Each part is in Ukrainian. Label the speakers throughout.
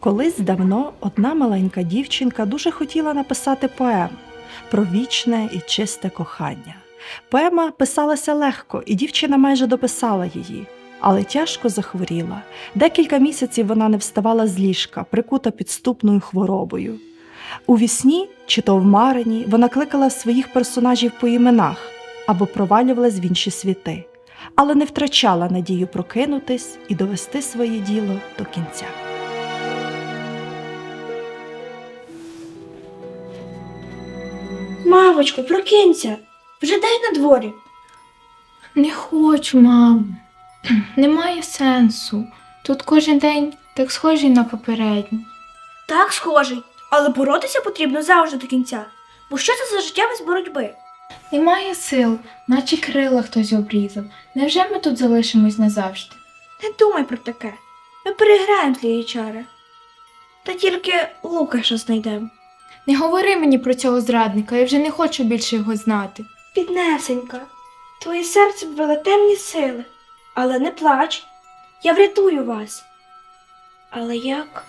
Speaker 1: Колись давно одна маленька дівчинка дуже хотіла написати поему про вічне і чисте кохання. Поема писалася легко, і дівчина майже дописала її, але тяжко захворіла. Декілька місяців вона не вставала з ліжка, прикута підступною хворобою. У вісні, чи то в марені, вона кликала своїх персонажів по іменах або провалювалась в інші світи, але не втрачала надію прокинутись і довести своє діло до кінця.
Speaker 2: Мавочко, прокинься! Вже день на дворі.
Speaker 3: Не хочу, мамо. Немає сенсу. Тут кожен день так схожий на попередній.
Speaker 2: Так, схожий, але боротися потрібно завжди до кінця. Бо що це за життя без боротьби?
Speaker 3: Немає сил, наче крила хтось обрізав. Невже ми тут залишимось назавжди?
Speaker 2: Не думай про таке. Ми переграємо твої чари. Та тільки Лукаша знайдемо.
Speaker 3: Не говори мені про цього зрадника, я вже не хочу більше його знати.
Speaker 2: Піднесенька, твоє серце ввели темні сили. Але не плач, я врятую вас. Але як?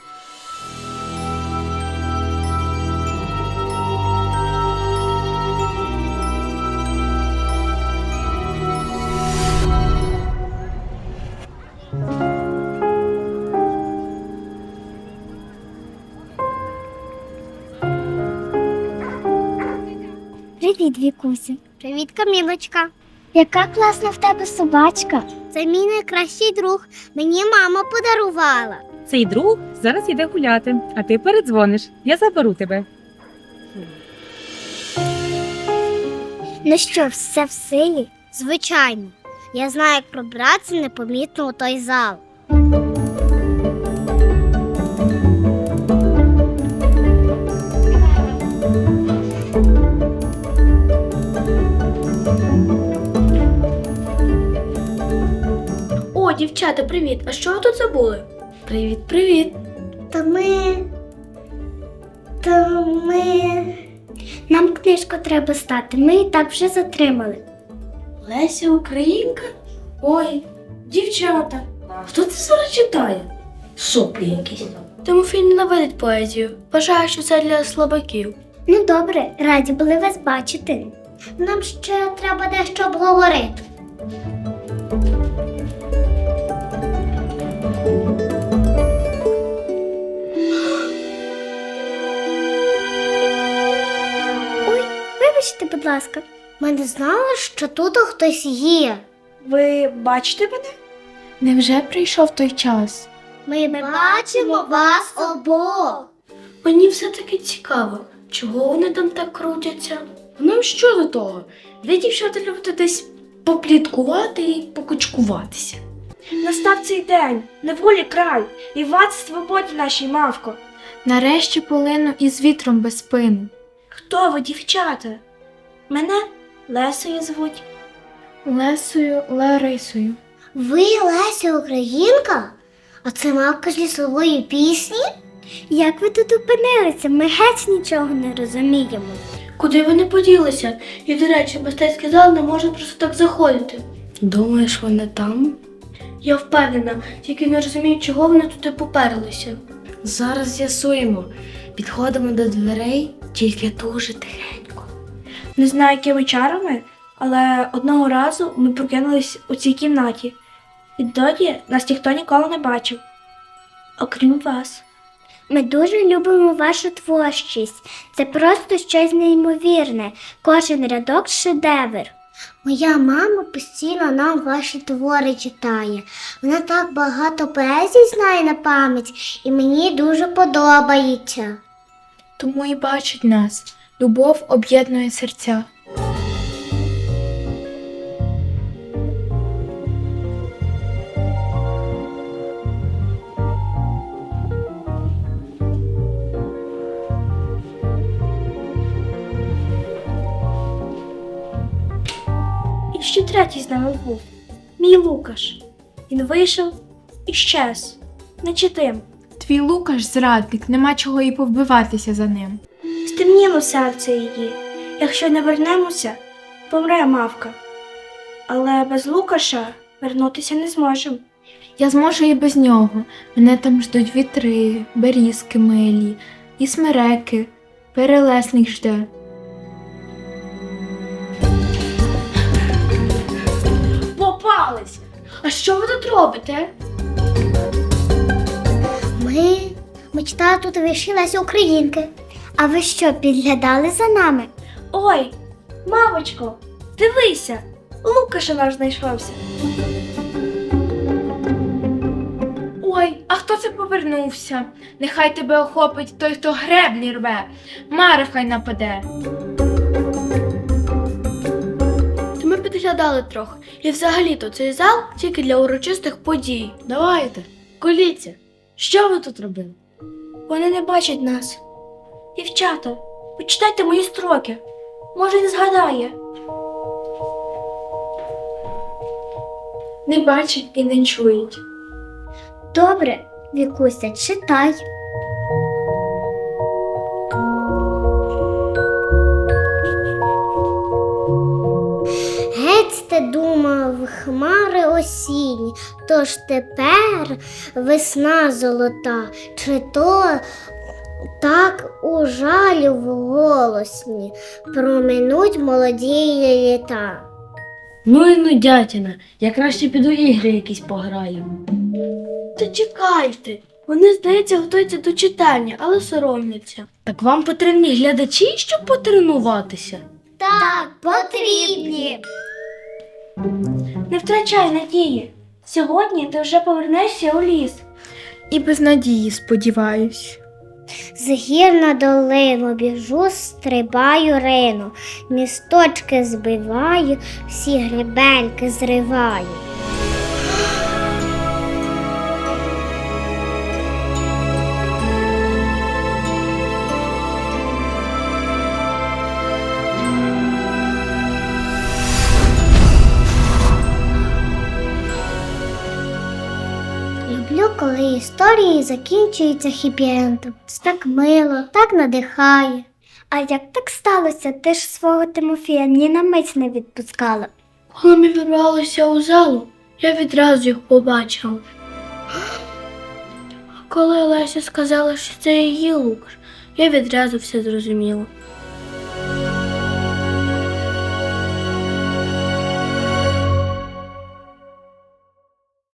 Speaker 4: Привіт, Вікусю. Привіт, Камілочка. Яка класна в тебе собачка. Це мій найкращий друг. Мені мама подарувала.
Speaker 5: Цей друг зараз іде гуляти, а ти передзвониш. Я заберу тебе.
Speaker 4: Ну що, все в силі? Звичайно. Я знаю, як пробратися непомітно у той зал.
Speaker 2: О, дівчата, привіт! А що ви тут забули?
Speaker 3: Привіт.
Speaker 4: Та ми... Нам книжку треба стати, ми і так вже затримали.
Speaker 2: Леся Українка? Ой, дівчата, хто це зараз читає? Соплі якісь. Тимофій ненавидить поезію. Вважає, що це для слабаків.
Speaker 4: Ну добре, раді були вас бачити. Нам ще треба дещо обговорити. Ой, вибачте, будь ласка. Ми не знали, що тут хтось є.
Speaker 2: Ви бачите мене?
Speaker 3: Невже прийшов той час?
Speaker 4: Ми бачимо вас обох.
Speaker 2: Мені все-таки цікаво, чого вони там так крутяться? Нам що до того? Ви, дівчата, любите десь попліткувати і покучкуватися. Настав цей день, неволі край, і вад свободі нашій, мавко.
Speaker 3: Нарешті полину із вітром без спину.
Speaker 2: Хто ви, дівчата? Мене Лесою звуть.
Speaker 3: Лесою, Ларисою.
Speaker 4: Ви Леся Українка? А це мавка з лісової пісні? Як ви тут опинилися? Ми геть нічого не розуміємо.
Speaker 2: Куди вони поділися? І, до речі, мистецький зал не може просто так заходити.
Speaker 3: Думаєш, вони там?
Speaker 2: Я впевнена, тільки не розумію, чого вони туди поперлися.
Speaker 6: Зараз з'ясуємо. Підходимо до дверей, тільки дуже тихенько.
Speaker 2: Не знаю, якими чарами, але одного разу ми прокинулись у цій кімнаті. Відтоді нас ніхто ніколи не бачив, окрім вас.
Speaker 4: Ми дуже любимо вашу творчість. Це просто щось неймовірне. Кожен рядок шедевр. Моя мама постійно нам ваші твори читає. Вона так багато поезій знає на пам'ять, і мені дуже подобається.
Speaker 3: Тому і бачить нас. Любов об'єднує серця.
Speaker 2: І ще третій з нами був. Мій Лукаш. Він вийшов і щез. Наче тим.
Speaker 3: Твій Лукаш зрадник, нема чого і повбиватися за ним.
Speaker 2: Стемніло серце її. Якщо не вернемося, помре мавка. Але без Лукаша вернутися не зможемо.
Speaker 3: Я зможу і без нього. Мене там ждуть вітри, берізки милі, і смереки. Перелесник жде.
Speaker 2: Попались! А що ви тут робите?
Speaker 4: Ми читали тут вірші Лесі Українки. А ви що, підглядали за нами?
Speaker 2: Ой, мамочко, дивися, Лукаша наш знайшовся.
Speaker 3: Ой, а хто це повернувся? Нехай тебе охопить той, хто греблі рве. Мара хай нападе.
Speaker 2: То ми підглядали трохи. І взагалі-то цей зал тільки для урочистих подій. Давайте, коліться. Що ви тут робили? Вони не бачать нас. Дівчата, почитайте мої строки. Може, не згадає.
Speaker 3: Не бачать і не чують.
Speaker 4: Добре, Вікуся, читай. Геть ти думав, хмари осінні, тож тепер весна золота, чи то так у жалі в голосні проминуть молоді літа.
Speaker 6: Ну і нудятіна, я краще піду ігри якісь пограю.
Speaker 2: Та чекайте. Вони, здається, готуються до читання, але соромляться.
Speaker 6: Так вам потрібні глядачі, щоб потренуватися?
Speaker 4: Так, потрібні.
Speaker 2: Не втрачай надії. Сьогодні ти вже повернешся у ліс.
Speaker 3: І без надії, сподіваюсь.
Speaker 4: З гір на долину біжу, стрибаю рину, місточки збиваю, всі гребельки зриваю. Люблю, коли історії закінчуються хіпі-ендом. Це так мило, так надихає. А як так сталося? Ти ж свого Тимофія ні на мить не відпускала.
Speaker 2: Коли ми вірвалися у залу, я відразу їх побачила. Коли Леся сказала, що це її Лукаш, я відразу все зрозуміла.